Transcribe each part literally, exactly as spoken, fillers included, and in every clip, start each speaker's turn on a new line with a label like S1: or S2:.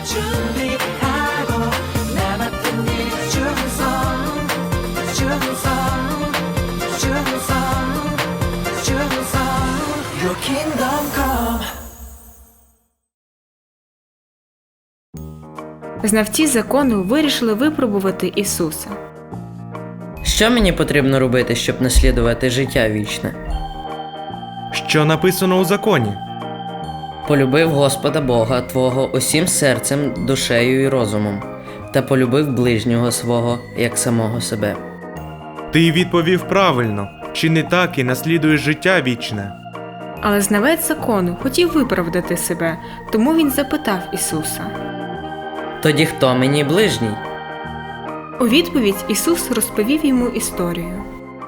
S1: 준비하고 남았던 일 충성 충성 충성 충성 Your kingdom come.
S2: Знавці закону вирішили випробувати Ісуса.
S3: Що мені потрібно робити, щоб наслідувати життя вічне?
S4: Що написано у законі?
S3: Полюбив Господа Бога твого усім серцем, душею і розумом, та полюбив ближнього свого, як самого себе.
S4: Ти відповів правильно. Чи не так і наслідуєш життя вічне?
S2: Але знавець закону хотів виправдати себе, тому він запитав Ісуса.
S3: Тоді хто мені ближній?
S2: У відповідь Ісус розповів йому історію.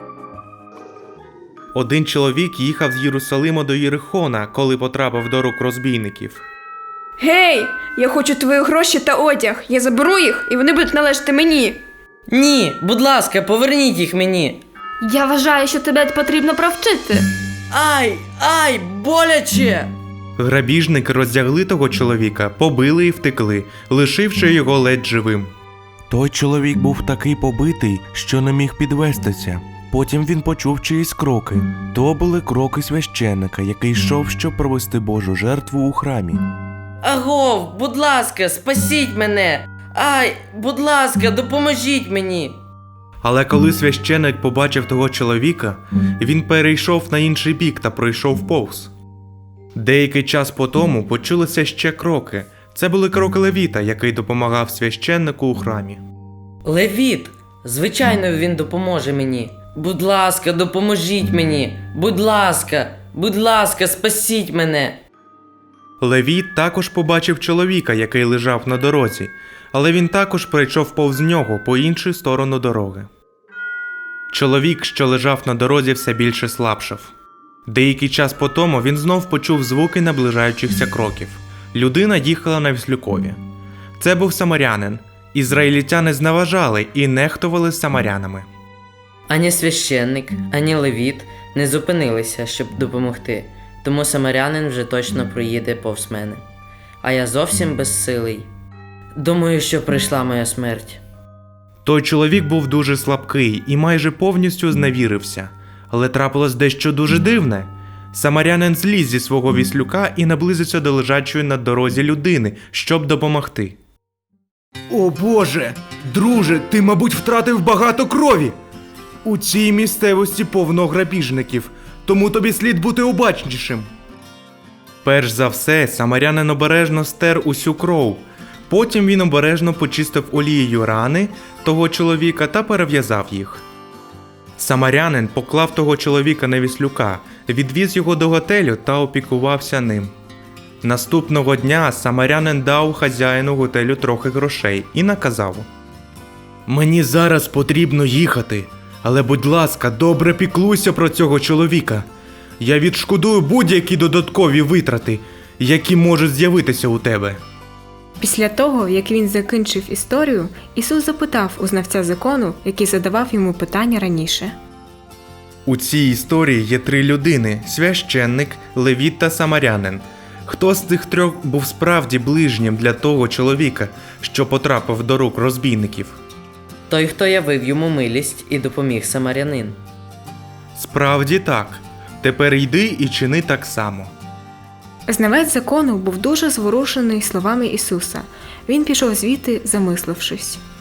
S4: Один чоловік їхав з Єрусалима до Єрихона, коли потрапив до рук розбійників.
S5: Гей! Я хочу твої гроші та одяг. Я заберу їх, і вони будуть належати мені.
S3: Ні, будь ласка, поверніть їх мені.
S5: Я вважаю, що тебе потрібно провчити.
S3: Ай, ай, боляче!
S4: Грабіжники роздягли того чоловіка, побили і втекли, лишивши його ледь живим.
S6: Той чоловік був такий побитий, що не міг підвестися. Потім він почув чиїсь кроки. То були кроки священника, який йшов, щоб провести Божу жертву у храмі.
S3: Агов, будь ласка, спасіть мене! Ай, будь ласка, допоможіть мені!
S4: Але коли священик побачив того чоловіка, він перейшов на інший бік та пройшов повз. Деякий час по тому почулися ще кроки. Це були кроки Левіта, який допомагав священнику у храмі.
S3: Левіт! Звичайно, він допоможе мені. Будь ласка, допоможіть мені! Будь ласка, будь ласка, спасіть мене!
S4: Левіт також побачив чоловіка, який лежав на дорозі, але він також пройшов повз нього по іншу сторону дороги. Чоловік, що лежав на дорозі, все більше слабшав. Деякий час по тому він знов почув звуки наближаючихся кроків. Людина їхала на віслюкові. Це був самарянин. Ізраїльтяни зневажали і нехтували самарянами.
S3: Ані священник, ані левіт не зупинилися, щоб допомогти, тому самарянин вже точно проїде повз мене. А я зовсім безсилий. Думаю, що прийшла моя смерть.
S4: Той чоловік був дуже слабкий і майже повністю зневірився. Але трапилось дещо дуже дивне. Самарянин зліз зі свого віслюка і наблизився до лежачої на дорозі людини, щоб допомогти. «О Боже! Друже, ти, мабуть, втратив багато крові! У цій місцевості повно грабіжників, тому тобі слід бути обачнішим». Перш за все, самарянин обережно стер усю кров. Потім він обережно почистив олією рани того чоловіка та перев'язав їх. Самарянин поклав того чоловіка на віслюка, відвіз його до готелю та опікувався ним. Наступного дня самарянин дав хазяїну готелю трохи грошей і наказав: «Мені зараз потрібно їхати, але, будь ласка, добре піклуйся про цього чоловіка. Я відшкодую будь-які додаткові витрати, які можуть з'явитися у тебе».
S2: Після того, як він закінчив історію, Ісус запитав у знавця закону, який задавав йому питання раніше.
S4: У цій історії є три людини – священник, левіт та самарянин. Хто з цих трьох був справді ближнім для того чоловіка, що потрапив до рук розбійників?
S3: Той, хто явив йому милість і допоміг самарянин.
S4: Справді так. Тепер йди і чини так само.
S2: Знавець закону був дуже зворушений словами Ісуса. Він пішов звідти, замислившись.